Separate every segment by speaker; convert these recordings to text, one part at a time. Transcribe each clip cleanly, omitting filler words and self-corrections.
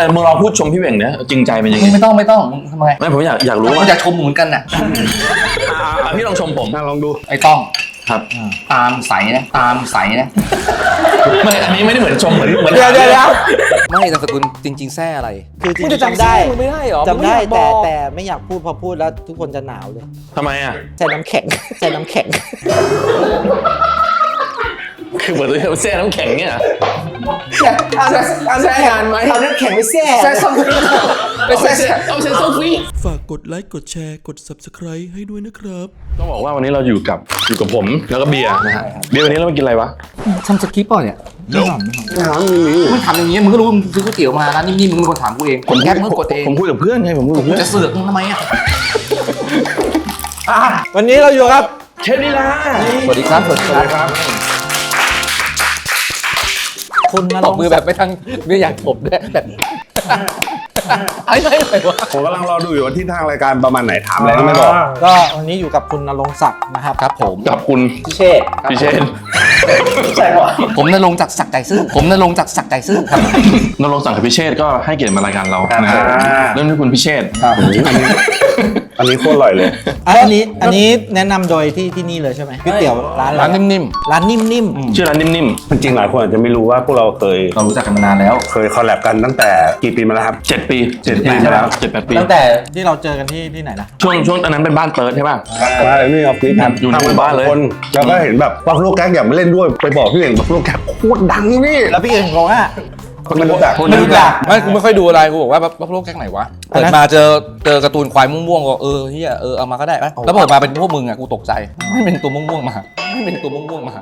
Speaker 1: มึงลองพูดชมพี่เหว่งเนี่ยจริงใจเป็นยังไง
Speaker 2: ไม่ต้องทำไม
Speaker 1: ไม่ผมอยากรู้
Speaker 2: ผม
Speaker 1: ว่า
Speaker 2: อยากชมเหมือนกันน่ะ
Speaker 1: พี่ลองชมผม
Speaker 3: ลองดู
Speaker 2: ไอ้ต้อง
Speaker 1: ครับ
Speaker 2: ตามใสนะตามใสนะ
Speaker 1: ไม่อันนี้ไม่ได้เหมือนชมเหมือน
Speaker 2: เดี๋ยว
Speaker 4: ไม่นามสกุลจริง ๆแซ่อะไร
Speaker 5: คือจริ
Speaker 4: มึง
Speaker 5: ง
Speaker 4: จะ
Speaker 5: ๆจำได้
Speaker 4: มึงไม่ได้เหรอ
Speaker 5: จำได้
Speaker 4: มึงไม่อยากบอก
Speaker 5: แต่ไม่อยากพูดพอพูดแล้วทุกคนจะหนาวเลย
Speaker 1: ทำไมอ่ะ
Speaker 5: ใส่น้ำแข็ง ใส่น้ำแข็ง
Speaker 1: คือเหมือนแช่น้ำแข็งเนี่ย
Speaker 5: แซ่งานไหมเอาน้ำแข็งไปแซ่แซ่ส้ม
Speaker 1: เอาใช้โซฟี่
Speaker 6: ฝากกดไลค์กดแชร์กด Subscribe ให้ด้วยนะครับ
Speaker 1: ต้องบอกว่าวันนี้เราอยู่กับผมแล้วก็เบียร์นะฮะเบียร์วันนี้เรามากินอะไรวะ
Speaker 2: ทำสคริปต์ป่ะเนี่ยมึงถามอย่างงี้มึงก็รู้มึงซื้อก๋วยเตี๋ยวมาร้านนิ่มๆมึงเป็นคนถามกูเองคนแก๊ปมึงกดเอง
Speaker 1: ผมคุยกับเพื่อนไงผมคุยกับเพื่อน
Speaker 2: จะเสือกมึงทำไมอ่ะ
Speaker 5: วันนี้เราอยู่ครับ
Speaker 1: เชฟลีลา
Speaker 2: สวัสดีครับ
Speaker 5: คุณมา
Speaker 2: ต
Speaker 5: ล
Speaker 2: บ
Speaker 5: ง
Speaker 2: มือแบบไม่ทั้งไม่อยากตบด้วยแบบไอ้ไรวะ
Speaker 3: ผมกำลังรอดูอยู่ว่าที่ทางรายการประมาณไหนถามอะไรก็ไม่บอก
Speaker 5: ก็วันนี้อยู่กับคุณณรงค์ศักดิ์นะครับ
Speaker 2: ครับผม
Speaker 1: กับคุณ
Speaker 5: พิเชษ
Speaker 1: พี่เชน
Speaker 5: ใช่ป่ะ
Speaker 2: ผมนรงค์จากศักดิ์ใจซื่อผมนรงค์จากศักดิ์ใจซื่อครับ
Speaker 1: นรงค์สั่งกับพี่เชษก็ให้เกียรติมารายการเรานะครับเริ่มด้วยคุณพี่เชษ
Speaker 3: อันนี้โคตรอร่อยเลย
Speaker 5: อันนี้แนะนำโดยที่นี่เลยใช่ไหมก๋วยเตี๋ยวร้านอะไร
Speaker 2: ร้านนิ่ม
Speaker 5: ร้านนิ่ม
Speaker 1: ชื่อร้านนิ่ม
Speaker 3: จริงๆหลายคนอาจจะไม่รู้ว่าพวกเราเคย
Speaker 2: ๆเรารู้จักกันมานานแล้ว
Speaker 3: คอลแลบกันตั้งแต่กี่ปีมาแล้วครับ
Speaker 1: ๆ7 ปี
Speaker 3: 7 ปี
Speaker 1: ใช่
Speaker 3: แล้ว
Speaker 1: 7-8 ปี
Speaker 5: ๆตั้งแต่ที่เราเจอกันที่ไหนนะ
Speaker 1: ช่วงอันนั้นเป็นบ้านเติร์ดใช่ป่ะ
Speaker 3: มานี่ออฟฟิศ
Speaker 1: อยู่ในหมู่บ้านเลย
Speaker 3: คนแล้วก็เห็นแบบบัฟฟาโลแก๊กอยากมาเล่นด้วยไปบอกพี่เองบัฟฟาโลแก๊กโคตรดังนี่
Speaker 5: แล้วพี่เองบอกว่า
Speaker 3: คนไม่รู้จัก
Speaker 5: ไม่รู้จัก
Speaker 2: ไม่กูไม่ค่อยดูอะไรกูบอกว่าบัฟฟาโลแก๊กไหนวะ
Speaker 5: อัน
Speaker 2: เปิ
Speaker 5: นั้
Speaker 2: ด
Speaker 5: น
Speaker 2: มาเจอการ์ตูนควายม่วงๆก็เฮียเอามาก็ได้ปะแล้วเปิดมาเป็นพวกมึงอ่ะกูตกใจไม่เป็นตัวม่วงๆมาไม่เป็นตัวม่วงๆมา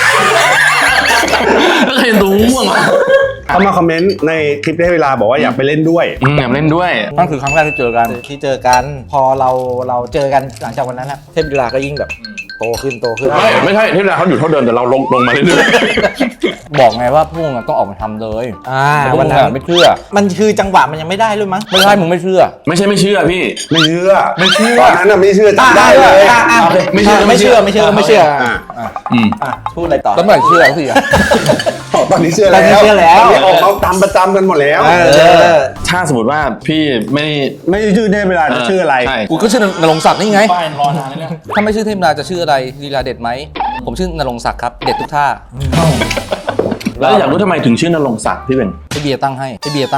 Speaker 1: แล้วใครดูม่วงอ่ะ
Speaker 3: เขามาคอมเมนต์ในคลิปได้เวลาบอกว่าอยากไปเล่นด้วย
Speaker 1: อยากเล่นด้วย
Speaker 2: นั่นคือครั้งแรกที่เจอกัน
Speaker 5: ที่เจอกันพอเราเจอกันหลังจากวันนั้นนะเทพลีลาก็ยิ่งแบบโตขึ้น
Speaker 1: ไม่ใช่ที่เวลาเขาอยู่เท่าเดิมแต่เราลงมาเรื่อย
Speaker 2: บอกไงว่าพวกมึงอะต้องออกมาทำเลย
Speaker 5: วั
Speaker 2: วัน น
Speaker 5: นั้
Speaker 2: นั้น นไม่เชื่อ
Speaker 5: มันคือจังหวะมันยังไม่ได้เลยมั้ง
Speaker 2: ไม่ใช่มึงไม่เชื่อ
Speaker 1: ๆไม่ใช่ไม่เชื่อพี่
Speaker 3: ไม่เชื่อ
Speaker 2: ไม่เชื่อ
Speaker 3: ตอนนั้นน่ะไม่เชื่อจำได้เลย
Speaker 1: ไม่เชื่อ
Speaker 5: ไม่เชื่อ
Speaker 1: อืม
Speaker 5: พูดอะไรต่อ
Speaker 2: แล้วเมื่อไหร่เชื่อสิอ่ะ
Speaker 3: ตอนนี้เชื่อ
Speaker 5: ตอนนี้เชื่อแล้ว
Speaker 3: ตอนนี้ออกมาตามประจำกันหมดแล้ว
Speaker 1: ถ้าสมมติว่าพี่ไม่
Speaker 3: ไม่ชื่อได้เวลาจะชื่ออะไร
Speaker 1: ใช่
Speaker 2: กูก็ชื่อนรงค์ศักดิ์นี่ไงรอนานแล้วถ้าไม่ชื่อเทพนาจะชื่ออะไรลีลาเด็ดไหมผมชื่อนรงค์ศักดิ์ครับเด็ดทุกท่า
Speaker 1: แล้วอยากรู้ทำไมถึงชื่อนรงค์ศักดิ์พี่เป็น
Speaker 2: ไอเบียร์ตั้งให้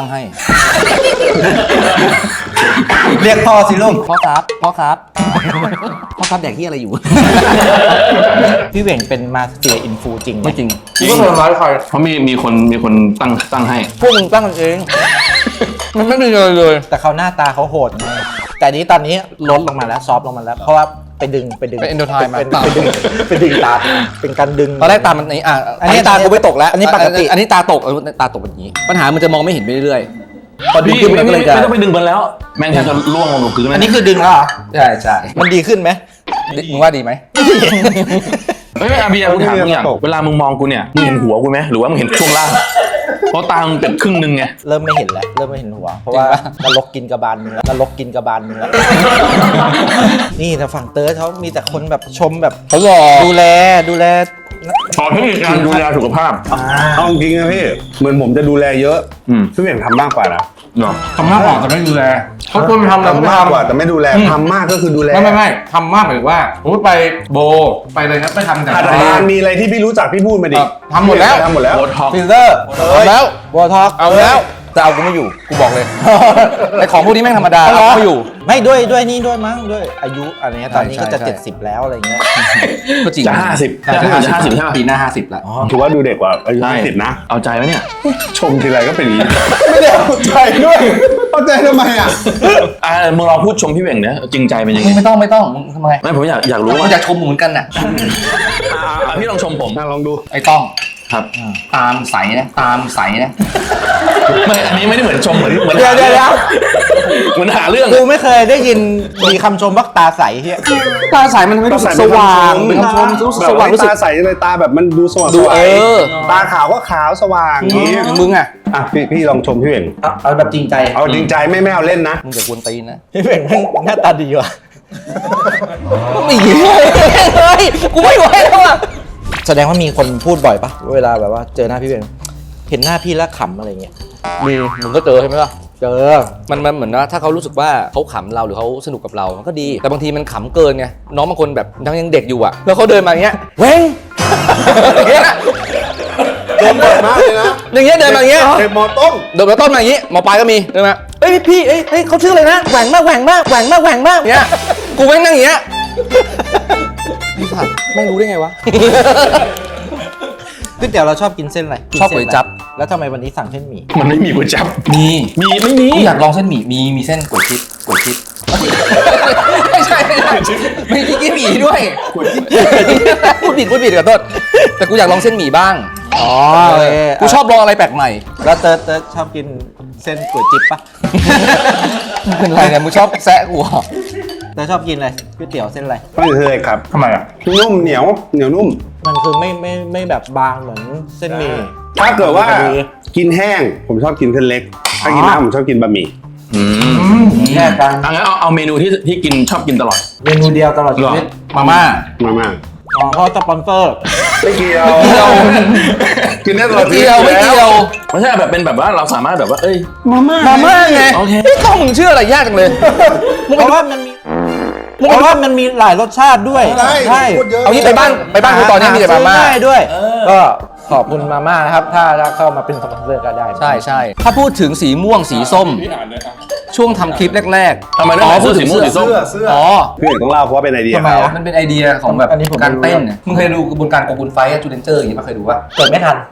Speaker 5: เรียกพ่อสิลูก
Speaker 2: พ่อครับพ่อครับแดกที่อะไรอยู่
Speaker 5: พี่เหว่งเป็นมาสเตอร์อินฟูจริงไหม
Speaker 2: ไม่จริงกูก็ทำร้ายใคร
Speaker 1: เพราะมีคนตั้งให้
Speaker 2: พวกมึงตั้งกันเอง มันไม่มีเลยเลย
Speaker 5: แต่เขาหน้าตาเขาโหดมากแต่นี้ตอนนี้ลดลงมาแล้วซอฟต์ลงมาแล้ว เพราะว่าไปดึง
Speaker 2: เป็น endotype มา
Speaker 5: ไปดึงตาเป็นการดึง
Speaker 2: ตอนแรกตามันนี้อันนี้ตากูไม่ตกแล้ว
Speaker 5: อันนี้ปกติ
Speaker 2: อันนี้ตาตกตาตกแบบนี้ ปัญหามันจะมองไม่เห็นไปเรื่อยๆพอดึง
Speaker 1: พี่
Speaker 2: ขึ้น
Speaker 1: ไม่
Speaker 2: มันก็เลยจะ
Speaker 1: ต้องไปดึงมันแล้ว แม่งแทบจะล่วงลงพื้นเลย
Speaker 5: อันนี้คือดึงแล้วเหรอ
Speaker 2: ใช่
Speaker 5: มันดีขึ้นไหม
Speaker 2: มึงว่าดีไหม
Speaker 1: เฮ้ยอาเบียกูถามมึงอย่างเวลามึงมองกูเนี่ยมึงเห็นหัวกูไหมหรือว่ามึงเห็นช่วงล่างเพราะตามึงเป็นครึ่งนึงไง
Speaker 5: เริ่มไม่เห็นแล้ว เริ่มไม่เห็นหัว เพราะว่านรกกินกระบาลมึงแล้วนรกกินกระบาลมึงแล้ว นี่แต่ฝั่งเติร์ดเขามีแต่คนแบบชมแบบ
Speaker 2: เขาหล่อ
Speaker 5: ดูแล
Speaker 1: ขอเทคนิคการดูแลสุขภาพ
Speaker 3: เอาจริงนะพี่เหมือนผมจะดูแลเยอะพี่เหว่งทำมากกว่านะ
Speaker 1: เนาะ
Speaker 2: ทำมากกว่าแต่ไม่ดูแลเขาควรทำแล้วก็
Speaker 3: ทำมากกว่า
Speaker 2: ทำ
Speaker 3: แต่ไม่ดูแลทำมากก็คือดูแล
Speaker 2: ไม่ทำมากหมายถึงว่าสมมติไปโบไปเลยนะไปทำแต่
Speaker 3: อาจารย์มีอะไรที่พี่รู้จักพี่พูดมาดิ
Speaker 2: ทำหมดแล้ว
Speaker 3: ทำหมดแล้ว
Speaker 1: โบท็อกซ์
Speaker 5: ฟิลเตอร์
Speaker 2: เอาแล้ว
Speaker 5: บอท็อก
Speaker 2: เอาแล้วแต่เอากูไม่อยู่กูบอกเลยไอของพวกนี้แม่งธรรมดาเอากูไม่อยู่
Speaker 5: ไม่ด้วยนี่ด้วยมั้งด้วยอายุอะไรเงี้ยตอนนี้ก็จะ
Speaker 2: ใช่
Speaker 5: 70แล้วอะไรเงี้ย
Speaker 2: ก็จริง
Speaker 1: จะ50
Speaker 2: จะ
Speaker 1: จะ50ใช่ไหม
Speaker 2: ปีหน้า50แล้ว
Speaker 3: ถือว่าดูเด็กกว่าอายุ
Speaker 1: ใช่
Speaker 3: 10นะ
Speaker 1: เอาใจไว้เนี่ย
Speaker 3: ชมทีไรก็เป็นอย่างนี้ ไม่ได้เอาใจด้วยเอาใจทำไมอ่ะ
Speaker 1: มึงลองพูดชมพี่เหว่งเนี่ยจริงใจเป็นยังไง
Speaker 2: ไม่ต้องทำไม
Speaker 1: ไม่ผมอยากรู้
Speaker 2: มั
Speaker 1: ว่าน
Speaker 2: อยากชมเหมือนกันน่ะ
Speaker 1: พี่ลองชมผม
Speaker 3: ลองดู
Speaker 2: ไอ้ต้อง
Speaker 1: ครับ
Speaker 2: ตามใสนะ
Speaker 1: ไม่อันนี้ไม่ได้เหมือนชมเหมือน
Speaker 5: เดี๋ยว
Speaker 1: เหมือนหาเรื่อง
Speaker 5: กูไม่เคยได้ยินมีคำชมว่าตาใสเฮีย
Speaker 2: ตาใสมันทำให้รู้สึกสว่างเป็นคำชมรู้สึกสว่างรู้สึก
Speaker 3: ตาใสเลยตาแบบมันดูสว่าง
Speaker 2: ดู
Speaker 3: ตาขาวก็ขาวสว่างอย่างนี้
Speaker 2: อย่างมึงอ่ะ
Speaker 3: อ่ะพี่ลองชมพี่เหว่ง
Speaker 5: เอาแบบจริงใจ
Speaker 3: เอาจริงใจไม่เอาเล่นนะ
Speaker 2: มึงจะกวนตีนนะ
Speaker 5: พี่เหว่งแม่งหน้าตาดีว่ะ
Speaker 2: ไม่ยิงเลยกูไม่ไหวแล้วอ่ะ
Speaker 5: แสดงว่ามีคนพูดบ่อยปะเวลาแบบว่าเจอหน้าพี่เหว่งเห็นหน้าพี่แล้วขำอะไรเงี้ย
Speaker 2: มีมึงก็เจอใช่ไหมล่ะ
Speaker 5: เจอ
Speaker 2: มันเหมือนว่าถ้าเขารู้สึกว่าเขาขำเราหรือเขาสนุกกับเรามันก็ดี แต่บางทีมันขำเกินไงน้องบางคนแบบยังเด็กอยู่อะแล้วเขาเดินมาอย่างเงี้ยเว้งอย่างเงี้ย
Speaker 3: เดินบ่อยมากเลยนะ
Speaker 2: อย่างเงี้ยเดินมาอย่างเงี้ย
Speaker 3: เด็กมอต้น
Speaker 2: เดินมาต้นมาอย่างงี้หมอปลายก็มีเดินมาเอ้ยพี่เอ้ยเขาชื่ออะไรนะแหว่งมากแหว่งมากแหว่งมากแหว่งมากอย่างเงี้ยกูแม่งนั่งอย่างเงี้ยพี่ผัดไม่รู้ได้ไงวะ
Speaker 5: ก๋วยเตี๋ยวเราชอบกินเส้นอะไร
Speaker 2: ชอบก๋วยจั๊บ
Speaker 5: แล้วทำไมวันนี้สั่งเส้นหมี่
Speaker 1: มันไม่มีก๋วยจั๊บ
Speaker 2: มี
Speaker 1: ไม่มี
Speaker 2: อยากลองเส้นหมี่มีเส้นก๋วยชิดไม่ใช่มีกิ๊กหมี่ด้วยพูดผิดขอโทษแต่กูอยากลองเส้นหมี่บ้าง
Speaker 5: อ๋อโอเค
Speaker 2: กูชอบลองอะไรแปลกใหม่
Speaker 5: แล้วเติร์ดชอบกินเส้นก๋วยจิ๊บปะ
Speaker 2: เป็นไรเนี่ยมึงชอบแซะกูเหรอ
Speaker 5: เติร์ดชอบกินอะไรก๋วยเตี๋ยวเส้นอะไร
Speaker 3: ไม่เคยครับ
Speaker 1: ทำไมอ่ะ
Speaker 3: นุ่มเหนียวนุ่ม
Speaker 5: มันคือไม่แบบบางเหมือนเส้นหมี่
Speaker 3: ถ้าเกิดว่า
Speaker 5: พอดี
Speaker 3: กินแห้งผมชอบกินเส้นเล็ก ถ้ากินน้ำผมชอบกินบะหมี่
Speaker 5: แค่กัน
Speaker 1: งั้นเอาเมนูที่กินชอบกินตลอด
Speaker 5: เมนูเดียวตลอดชีวิต
Speaker 2: มาม่า
Speaker 3: มาก
Speaker 5: อ๋อเพราะสปอนเซอร์
Speaker 3: ไม่เกี่ยวกินได้ตลอด
Speaker 2: ไม่เกี่ยว
Speaker 3: ไม่เกี่ยว
Speaker 1: ไม่ใช่แบบเป็นแบบว่าเราสามารถแบบว่าเอ้ย
Speaker 2: มาม่าไง
Speaker 1: โอเค
Speaker 2: ไม่ต้องมึงเชื่ออะไรยากจังเลย
Speaker 5: เพราะว่ามันมีหลายรสชาติด้วย
Speaker 3: ใช่พูดเยอะ
Speaker 2: เอางี้ไปบ้านกูตอนนี้มีแต่มาม่า
Speaker 5: ซื้อง่ยด้วย ก็ขอบคุณมาม่านะครับ ถ้าเข้ามาเป็นสปอนเซอร์ก็ได้
Speaker 2: ใช่ถ้าพูดถึงสีม่วงสีส้ม ช่วงทำคลิปแรกๆ
Speaker 1: ทำไมต้องพูดสีม่วงสีส้ม
Speaker 3: เสื้อ
Speaker 2: อ๋อ
Speaker 3: พี่เอกต้องเล่าเพราะว่าเป็นไอเดีย
Speaker 5: ทำไม
Speaker 3: เขา
Speaker 5: อะ
Speaker 2: มันเป็นไอเดียของแบบ
Speaker 5: อันนี้ผมไม่
Speaker 2: การ
Speaker 5: รู้
Speaker 2: เต้นเนี่ยมึงเคยดูกระบวนการโกกุนไฟท์จูเลนเจอร์อย่างนี้มาเคยดูป่ะ
Speaker 5: เกิดไม่ทัน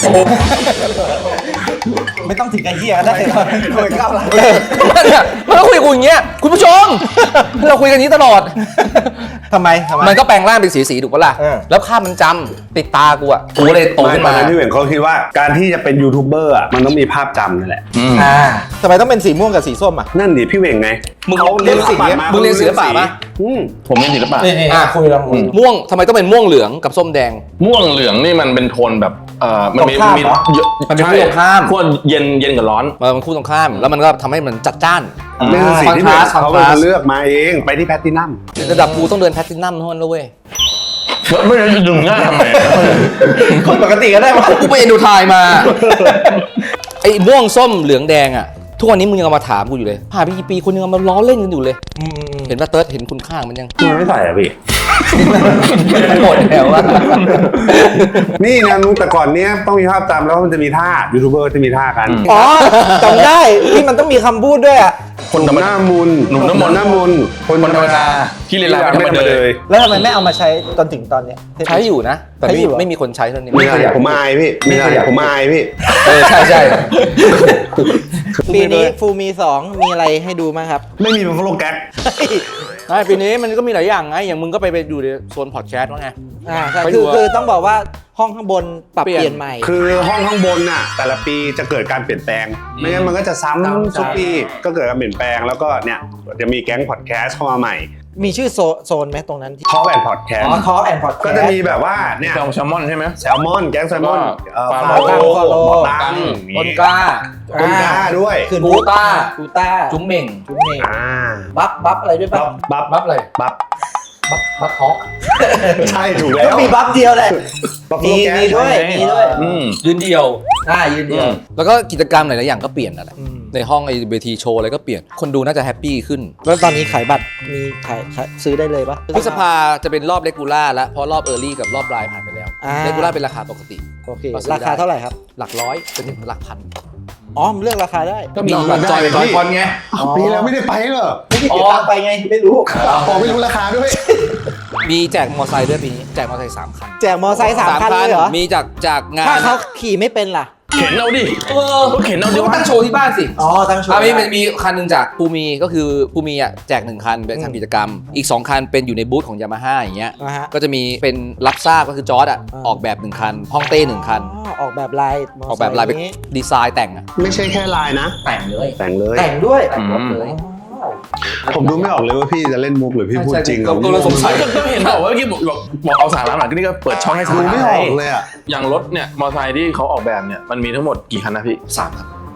Speaker 5: ไม่ต้องถึงไอ้เหี้ยก็ได้เคยก้าวหลัง
Speaker 2: เนี่ยมันก็คุยกับกูอย่างเงี้ยคุณผู้ชม เราคุยกันอย่างนี้ตลอด
Speaker 5: ทำไม
Speaker 2: มันก็แปลงร่างเป็นสีถูกปะล่ะ
Speaker 5: เออ
Speaker 2: แล้วภาพมันจำติดตากูอ่ะกูเลยโต
Speaker 3: ไม่
Speaker 2: ขึ้น
Speaker 3: ตอน
Speaker 2: มา
Speaker 3: นั้นพี่เอกเขาคิดว่าการที่จะเป็นยูทูบเบอร์อ่ะมันต้องมีภาพจำนั่นแหละ
Speaker 5: ทำไมต้องเป็นสีม่วงกับสีส้มอ่ะ
Speaker 3: นั่นดิพี่เอกไง
Speaker 2: มึง
Speaker 3: เขา
Speaker 2: เรียนศิลปะ
Speaker 3: มา
Speaker 2: มึงเรียนศิลปะปะ
Speaker 1: ผมเรียนศิลปะ
Speaker 5: นี่คุยลองคุย
Speaker 2: ม่วงทำไมต้องเป็นม่วงเหลืองกับส้มแดง
Speaker 1: ม่วงเหลืองนี่มันเป็นโทนแบบมันมี
Speaker 5: ตรงข้ามเหรอ
Speaker 2: มันเป็นคู่ตรงข้าม
Speaker 1: ขั้วเย็นกับร้อน
Speaker 2: มันคู่ตรงข้ามแล้วมันก็ทำให้มันจัดจ้าน
Speaker 3: เป็นสิ่งที่พี่เอก
Speaker 2: คอน
Speaker 3: เขา
Speaker 2: ทราสต์
Speaker 3: เลือกมาเองไปที่แพลตตินัม
Speaker 2: ระดับกูต้องเดินแพลตตินัมเท่านั้นแล้วเว้ย
Speaker 1: ไม่ได้ดึงง่ายทำไม
Speaker 5: คนปกติก็ได้ปะ
Speaker 2: กูไปเอ็นดูไทยมา ไอ้ม่วงส้มเหลืองแดงอ่ะทุกวันนี้มึงยังเอามาถามกูอยู่เลยผ่านไปกี่ปีคนยังเอามาล้อเล่นกันอยู่เลย เห็นป่ะเติร์ดเห็นคุณค่าของมันยัง
Speaker 3: มันไม่ใส่อะพี่
Speaker 2: หมดแล้วอะ
Speaker 3: นี่นะนุ้แต่ก่อนเนี้ยต้องมีภาพจำแล้วมันจะมีท่ายูทูบเบอร์จะมีท่ากัน
Speaker 5: อ๋อจำได้ที่มันต้องมีคำพูดด้วยอ่ะ
Speaker 1: คนธรรม
Speaker 3: ห
Speaker 1: ดา
Speaker 3: น้ามุน
Speaker 1: หนุ่มน้ำมนต์
Speaker 3: หน้ามุน
Speaker 1: คนธรรมดาที่เรียนรามไม่ธรรมดาเลย
Speaker 5: แล้วทำไมไม่เอามาใช้จนถึงตอนเนี้ย
Speaker 2: ใช้อยู่นะ แต่
Speaker 5: ใช้อยู่เหรอ
Speaker 2: ไม่มีคนใช้เท่านี้
Speaker 3: ไม่
Speaker 2: ไม่
Speaker 3: ใช่
Speaker 2: ขยับ
Speaker 3: ผมอายพี่ไม่ใช่ผมอายพี่
Speaker 2: ใช่
Speaker 5: ปีนี้ฟูมี 2 มีอะไรให้ดูมั้งครับ
Speaker 3: ไม่มีเป็นฟลอแก๊ก
Speaker 2: ใช่ปีนี้มันก็มีหลายอย่างไงอย่างมึงก็ไปอยู่ในโซนพอดแคสต์ว่าไง
Speaker 5: ใช่
Speaker 2: ไปดู
Speaker 5: คือต้องบอกว่าห้องข้างบนปรับเปลี่ยนใหม่
Speaker 3: คือห้องข้างบนน่ะแต่ละปีจะเกิดการเปลี่ยนแปลง ไม่งั้นมันก็จะซ้ำทุกปีก็เกิดการเปลี่ยนแปลงแล้วก็เนี่ยจะมีแก๊งพอดแคสต์เข้ามาใหม่
Speaker 5: มีชื่อโซนไหมตรงนั้นที่
Speaker 3: ทอล์กแอนด์พอดแคส
Speaker 5: อ๋อ
Speaker 3: ต์
Speaker 5: ทอล์กแอนด์พอดแคสต์
Speaker 3: ก็จะมีแบบว่าเนี่ย
Speaker 1: แซลมอนใช่ไหม
Speaker 3: แซลมอนแก๊งแซลมอน
Speaker 1: ฟา
Speaker 3: ฟา
Speaker 1: โล
Speaker 3: โล
Speaker 5: ฟาโล
Speaker 3: ตัง
Speaker 2: ต้นกล้า
Speaker 3: ต้นกล้าด้วย
Speaker 5: คือ
Speaker 2: กูต้า
Speaker 5: กูต้า
Speaker 2: จุ้มเหม่ง
Speaker 5: จุ๊มเมง
Speaker 3: อ่า
Speaker 5: บัฟอะไรด้วย
Speaker 3: บั
Speaker 5: ปะ
Speaker 3: บบับ
Speaker 2: บัฟอะไร
Speaker 3: บับ
Speaker 2: บัฟฮอก
Speaker 3: ใช่ถูกแล้
Speaker 5: ก็
Speaker 3: ว
Speaker 5: มีบัฟเดียวแหละ
Speaker 3: บัฟ
Speaker 5: มี
Speaker 3: แก๊ง
Speaker 5: มีด้วยมีด้วย
Speaker 2: ยืนเดียว
Speaker 5: ยืนเดียว
Speaker 2: แล้วก็กิจกรรมหลายๆอย่างก็เปลี่ยนนั่นแหละในห้องไอเวทีโชว์อะไรก็เปลี่ยนคนดูน่าจะแฮปปี้ขึ้น
Speaker 5: แล้วตอนนี้ขายบัตรมีขายซื้อได้เลยปะ
Speaker 2: พฤษภาจะเป็นรอบเลกูล่าแล้วเพราะรอบเออร์ลี่กับรอบปลายผ่านไปแล้ว
Speaker 5: อ่า
Speaker 2: เลกูล่าเป็นราคาปกติ
Speaker 5: โอเค
Speaker 2: ก็ซื้อได้
Speaker 5: ราคาเท่าไหร่ครับ
Speaker 2: หลักร้อยจนถึงหลักพัน
Speaker 5: อ๋อเลือกราคาได้
Speaker 2: ก็มีบัตรจอยเป็นจอยคอนไง
Speaker 3: ปีแล้วไม่ได้ไปเหรอ
Speaker 5: ไม่ได้ติดตามไปไงไม่รู้
Speaker 3: อ๋อไม่รู้ราคาด้วย
Speaker 2: มีแจกมอเตอร์ไซค์ด้วยปีนี้แจกมอเตอร์ไซค์3 คัน
Speaker 5: แจกมอไซค์3 คันเลยเหรอ
Speaker 2: มีจากงาน
Speaker 5: ถ้าเขาขี่ไม่เป็นล่ะ
Speaker 1: เข็นเอาดิก็เข็นเอาดิ
Speaker 2: ก็ตั้งโชว์ที่บ้านสิ
Speaker 5: อ๋อตั้งโชว์
Speaker 2: มีคันหนึ่งจากภูมีก็คือภูมีอ่ะแจก1 คันเป็นทำกิจกรรม อีก 2 คันเป็นอยู่ในบูธของยามาฮ่าอย่างเงี้ย
Speaker 5: นะฮะ
Speaker 2: ก็จะมีเป็นรับทราบก็คือจอร์ดอ่ะ
Speaker 5: อ่า
Speaker 2: ออกแบบ1 คันฮ่องเต้1 คัน
Speaker 5: ออกแบบลายม
Speaker 2: ออกแบบลายเป็น
Speaker 5: นี้
Speaker 2: ดีไซน์แต่งอ่ะ
Speaker 3: ไม่ใช่แค่ลายนะ
Speaker 2: แต่งเลย
Speaker 3: แต่งเลย
Speaker 5: แต่งด้วย
Speaker 2: แต่งรถเลย
Speaker 3: ผมดูไม่ออกเลยว่าพี่จะเล่นมุกหรือพี่พูดจริง
Speaker 2: ผมก็เลยสงสัย
Speaker 1: ก็เห็นบอกว่าเมื่อกี้บอกเอาสาระหน่อยก็นี่ก็เปิดช่องให้สา
Speaker 3: ดู
Speaker 1: ระ
Speaker 3: ไม่ออกเลยอ่ะ
Speaker 1: อย่างรถเนี่ยมอเตอร์ไซค์ที่เขาออกแบบเนี่ยมันมีทั้งหมดกี่คันนะพี่
Speaker 2: 3 ครับ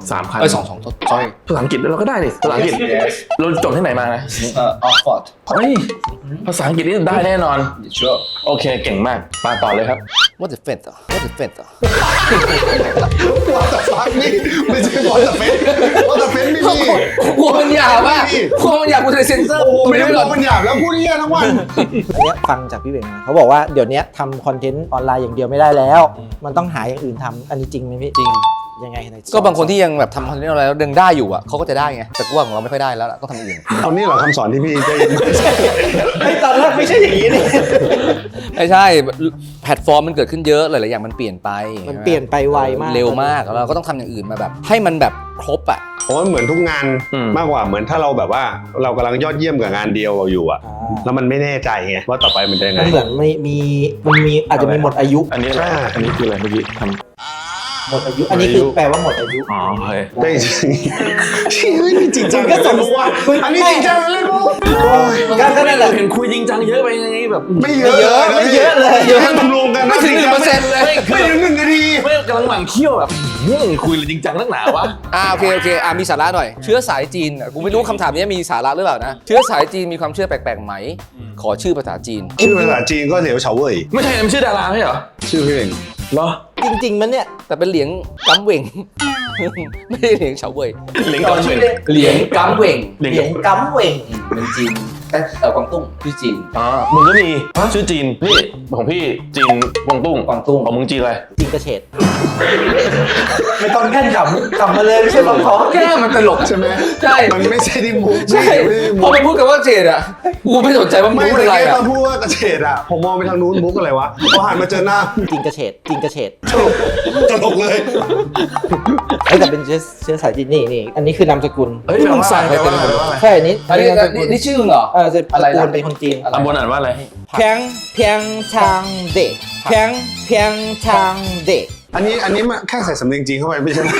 Speaker 1: 3,000
Speaker 2: 2 sorry
Speaker 1: ภาษาอังกฤษเราก็ได้ดิภาษาอังกฤษ เราจบที่ไหนมานะ
Speaker 2: Oxford
Speaker 1: เฮ้ยภาษาอังกฤษนี่ได้แน่นอน
Speaker 2: sure
Speaker 1: โอเคเก่งมากมาต่อเลยครับ
Speaker 4: What the fuck What the fuck
Speaker 3: วอตฟักนี่ไม่ใช่วอตเฟสวอตเฟสไม่มี
Speaker 2: กลัวมันหยาบอ่ะกลัวมันหยาบกูจะเซ็นเซอร์
Speaker 3: โอ้โหไม่ได้บอกมันหยาบแล้วพูดเหี้ยทั้งวัน
Speaker 5: อันเนี้ยฟังจากพี่เวงมาเขาบอกว่าเดี๋ยวนี้ทำคอนเทนต์ออนไลน์อย่างเดียวไม่ได้แล้ว มันต้องหาอย่างอื่นทำอันนี้จริงไหมพี่
Speaker 4: จริง
Speaker 5: ยังไงใน
Speaker 4: ก็บางคนที่ยังแบบทำคอนเทนต์อะไรแล้วดึงได้อยู่อ่ะเขาก็จะได้ไงแต่กูว่าของเราไม่ค่อยได้แล้วล่ะต้องทำอื่น
Speaker 3: เอานี่เหรอคำสอนที่พี่ได้ยิน
Speaker 5: ไอ้ตอนแรกไม่ใช่อย่างนี้นี่
Speaker 4: ไม่ใช่แพลตฟอร์มมันเกิดขึ้นเยอะหลายๆอย่างมันเปลี่ยนไป
Speaker 5: มันเปลี่ยนไปไวมาก
Speaker 4: เร็วมากแล้วเราก็ต้องทำอย่างอื่นมาแบบ ให้มันแบบครบอ่ะ
Speaker 3: ผมว่าเหมือนทุกงาน
Speaker 1: อืม
Speaker 3: มากกว่าเหมือนถ้าเราแบบว่าเรากำลังยอดเยี่ยมกับงานเดียวอยู่อะแล้วมันไม่แน่ใจไงว่าต่อไปมันจะยังไง
Speaker 5: มันเหมือนมันมีอาจจะมีหมดอายุ
Speaker 1: อันนี้อะไร
Speaker 3: ใช่
Speaker 1: อันนี้คืออะไรเมื่อกี้ท
Speaker 5: หมดอายุ อันนี้คือแปลว่าหมดอายุ
Speaker 1: ำอ๋อโอเค
Speaker 3: ได้จริงเฮ้ยนี่จริงจัง
Speaker 5: มันก็สม
Speaker 3: รู้ว่าอันนี้จริงจังเลยบุ๊
Speaker 5: ก็นั่นแหละ
Speaker 1: เห็นคุยจริงจังเยอะไปไงแบบ
Speaker 3: ไม่เยอะ
Speaker 5: ไม่เยอะเลย
Speaker 3: เยอะรวมๆกัน
Speaker 2: ไม่ถึง1%เลย
Speaker 3: ไม่ถึง1 นาที
Speaker 1: ไม่กำลังหมั่นเคี้ยวแบบคุยเลยจริงจังนักหนาวะ
Speaker 4: โอเคมีสาระหน่อย เชื้อสายจีนกูไม่รู้คำถามนี้มีสาระหรือเปล่านะเชื้อสายจีนมีความเชื่อแปลกๆไหมขอชื่อภาษาจีน
Speaker 3: ชื่อภาษาจีนก็เหลียวเฉาเว่ย
Speaker 1: ไม่ใช่มันชื่อดาราไม่ใช่เหรอ
Speaker 3: ชื่อพี่เอง
Speaker 1: เหรอ
Speaker 5: จริงๆมันเนี่ย
Speaker 4: แต่เป็นเหลียงกัมเหว่ง ไม่ได้เหลียงเฉาเว่ย
Speaker 1: เหลิงกอนเฉิน
Speaker 4: เหลียงกัมเหว่ง
Speaker 1: เหลิง
Speaker 5: เหรียญกำเหว่ง
Speaker 4: เป็นจีนกวางตุ้งชื่อจีน
Speaker 1: อ๋อมึงก็มีชื่อจีนนี่ของพี่จีนกวางตุ้ง
Speaker 4: กวางตุ้ง
Speaker 1: ของมึงจีนอะไร
Speaker 5: จริงกระเฉดไม่ต้องแค่ขำมาเลยไม่ใช่มาขอ
Speaker 2: แก้มันตลก
Speaker 3: ใช่ไหม
Speaker 2: ใช่
Speaker 3: มันไม่ใช่ที่มุก
Speaker 2: ใช่
Speaker 3: ไม่ได้
Speaker 2: พ
Speaker 3: มุ
Speaker 2: อก มันพูดกับว่าเจดอ่ะกูไม่สนใจว่ามัน
Speaker 3: ไม่
Speaker 2: พูด
Speaker 3: แต่
Speaker 2: อะไร
Speaker 3: แก
Speaker 2: อ่ะ
Speaker 3: ตอนพูดว่ากระเฉดอะผมมองไปทางนู้นมุกอะไรวะพอหันมาเจอหน้า
Speaker 5: จริงกระเฉดจริงกระเฉด
Speaker 3: ตลกเลย
Speaker 5: ไอ้แต่เป็นเชื้อสายจีนนี่อันนี้คือนามสกุล
Speaker 1: เฮ้ย
Speaker 2: ที่มึงใส่ไป
Speaker 1: แปลว่าอะไร
Speaker 5: ใช่อันนี้
Speaker 2: อันนี้
Speaker 5: นามสกุล
Speaker 2: นี่ชื่อมึงเหรอ
Speaker 5: จะ
Speaker 2: อะไร
Speaker 5: ตระกูล
Speaker 2: นะ
Speaker 5: เป็นคนจีน
Speaker 1: ตำบลอ่านว่าอะไร
Speaker 5: เพียงชางเด็กเพียงชางเด็ก
Speaker 3: อันนี้มันแค่ใส่สำเนียงจีนเข้าไปไม่ใช่ไหม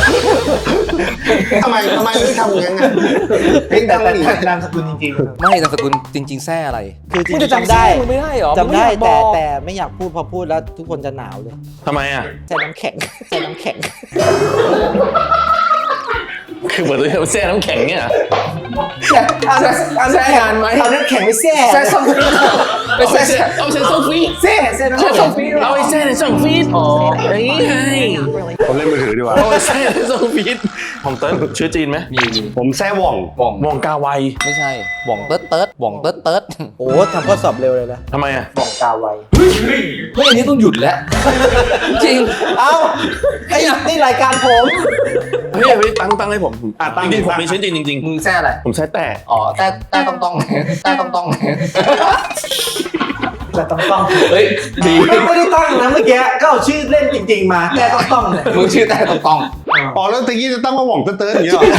Speaker 3: ทำไมถึงทำอย่างนั้นไงเพลงดังนี่
Speaker 5: นามสกุลจริง
Speaker 4: ไม่นามสกุลจริง ๆแท้อะไร
Speaker 5: ๆคือจริ
Speaker 4: มึง
Speaker 5: ง
Speaker 4: จะ
Speaker 5: ๆจำ
Speaker 4: จำ
Speaker 5: ได้
Speaker 4: มึงไม่ได้เหรอ
Speaker 5: จำได้
Speaker 4: มึงไม่อยากบอก
Speaker 5: แต่ไม่อยากพูดพอพูดแล้วทุกคนจะหนาวเลย
Speaker 1: ทำไมอ่ะ
Speaker 5: ใส่น้ำแข็งใส่น้ำแข็ง
Speaker 1: คือเหมือนเราแช่น้ำแข็งเนี่ย
Speaker 2: แซ่งานไหม
Speaker 5: เอาน้ำแข็งไปแช่
Speaker 2: แซ่ส้มฟีไปแซ่
Speaker 1: เอาใช้โซฟี
Speaker 5: แช่น้ำ
Speaker 2: แซ่
Speaker 5: แข็ง
Speaker 2: ส้มฟี
Speaker 1: เอาไปแช่ในช่องฟีดอ๋ออย่างนี้ไง
Speaker 3: ผมเล่นมือถือดีกว่า
Speaker 1: เอาไปแช่ในช่องฟีดผมเติ้ลชื่อจีนไหม
Speaker 4: มี
Speaker 3: ผมแซ่ว่อง
Speaker 4: หว่อง
Speaker 1: มองกาไว
Speaker 4: ไม่ใช่หว่องเติร์ดหว่องเติร์ด
Speaker 5: โอ้ทำข้อสอบเร็วเลยนะ
Speaker 1: ทำไมอ่ะ
Speaker 5: บอกกาไว
Speaker 2: เฮ้ยอันนี้ต้องหยุดแล้ว จริง
Speaker 5: เอ้าไอ้นี่รายการผม
Speaker 1: เฮ้ยตั้งให้ผมจริงๆผมมีชื่อจีนจริง
Speaker 2: มึงแซ่อะไร
Speaker 1: ๆผมใช้แต่
Speaker 2: อ๋อแต่
Speaker 4: แต่ต้องแต่ต้อง
Speaker 5: แต่ต้อง
Speaker 2: เฮ้ยดี
Speaker 5: ไม่ได้ตั้งนะเมื่อกี้ก็เอาชื่อเล่นจริงๆมาแต่ต้องเลย
Speaker 2: มึงชื่อแต่ต้อง
Speaker 3: อ๋อแล้วตะกี้จะตั้งว่าหว่องเติ้ลๆอย่างเงี้ยเหรอ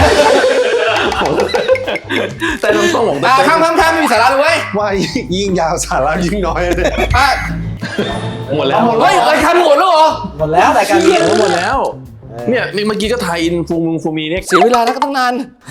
Speaker 1: แต่ต้องผม
Speaker 2: ข้ามมีสาระเลยเว้ย
Speaker 3: ว่ายิ่งยาวสาระยิ่งน้อยเลย
Speaker 1: หมดแล้ว
Speaker 2: เฮ้ยรายการหมดแล้วเหรอ
Speaker 5: หมดแล้วรายการนี้
Speaker 1: หมดแล้ว เนี่ยเมื่อกี้ก็ไทยอินฟูมีเนี่ย
Speaker 4: เสียเวลาแล้วก็ต้องนาน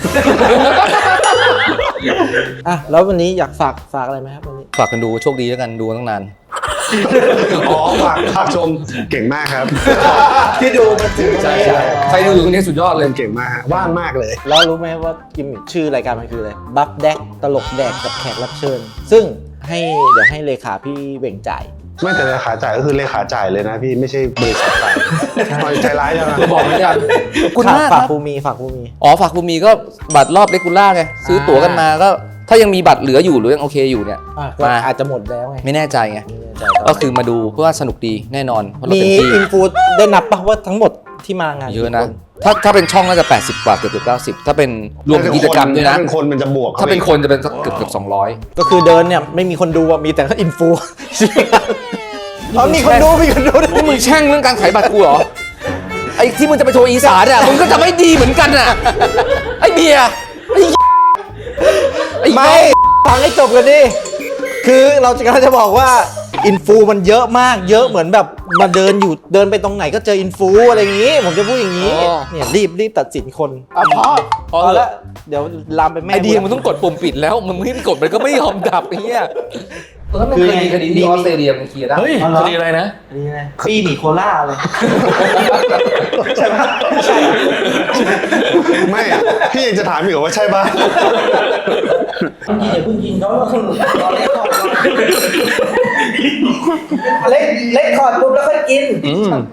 Speaker 5: อ่ะแล้ววันนี้อยากฝากอะไรไหมครับวันนี้
Speaker 4: ฝากกันดูโชคดีแล้วกันดูตั้งนาน
Speaker 3: อ๋อฝากชมเก่งมากครับ
Speaker 5: ที่ดูมาถึง
Speaker 2: ใช่ใครดูอยู่ตรงนี้สุดยอดเลย
Speaker 3: เก่งมากฮะว่างมากเลย
Speaker 5: แล้วรู้ไหมว่ากิมมิคชื่อรายการมันคืออะไรบัฟแดกตลกแดกกับแขกรับเชิญ ซึ่งเดี๋ยวให้เลขาพี่เบ่งจ่าย
Speaker 3: ไม่แต่เลขาจ่ายก็คือเลขาจ่ายเลยนะพี่ไม่ใช่บริษัทจ่ายปล่อยใจร้ายจังนะ
Speaker 2: บอกไม่ได้
Speaker 4: คุณมากค
Speaker 5: ฝา
Speaker 4: รั
Speaker 5: ก
Speaker 4: บ
Speaker 5: ภูมิฝากภูมิ
Speaker 4: อ๋อฝากภูมิก็บัตรรอบเลกูล่าไงซื้อตั๋วกันมาก็ถ้ายังมีบัตรเหลืออยู่หรือยังโอเคอยู่เนี่ย
Speaker 5: ก็
Speaker 4: มา
Speaker 5: อาจจะหมดแล้วไง
Speaker 4: ไม่แน่ใจไง
Speaker 5: ไม่แน่ใจ
Speaker 4: ก็คือมาดูเพราะว่าสนุกดีแน่นอนเพราะเรา
Speaker 5: มี
Speaker 4: เต็มที่
Speaker 5: อินฟูได้นับปะว่าทั้งหมดที่มางาน
Speaker 4: เยอะนะ
Speaker 5: กี่ค
Speaker 4: ถ้าเป็นช่องน่าจะ80กว่าเกือบ90ถ้าเป็นรวมกิจกรรมด้วยนะ
Speaker 3: ถ้าเป็นคนมันจะบวก
Speaker 4: ถ้าเป็นคนจะเป็นสักเกือบ200
Speaker 5: ก็คือเดินเนี่ยไม่มีคนดูอะมีแต่อินฟูอ๋อมีคนดูมีคนดู
Speaker 4: นี่มึงแช่งเรื่องการขายบัตรกูเหรอ ไอ้ที่มึงจะไปโชว์อีสานอ่ะมึงก็จะไม่ดีเหมือนกันอ่ะ ไอ้เบียร์ไอ้
Speaker 5: ไม่ฟังให้จบกันดิคือเราจะกำลังจะบอกว่าอินฟูมันเยอะมากเยอะเหมือนแบบมาเดินไปตรงไหนก็เจออินฟูอะไรอย่างนี้ ผมจะพูดอย่างนี้เนี่ยรีบตัดสินคนพอแล้วเดี๋ยวลามไปแม่
Speaker 4: ไอเดียมึงต้องกดปุ่มปิดแล้วมึงไม่กดมันก็ไม่ยอมดับไอ้เหี้ย
Speaker 2: ตอนนั้นมันเคยมีคดีที่ออสเตรเลียมันเคลียร์ได้
Speaker 1: เฮ้ยคดีอะไรนะ
Speaker 5: นี่ไงปีหนีโคล่าเลยใช่ไหมใช่
Speaker 3: ไม่อะพี่ยังจะถามอีกเหรอว่าใช่ปะ
Speaker 5: อย่าเพิ่งกินเขารอเล็กคอร์ดปุ๊บแล้วค่อยกิน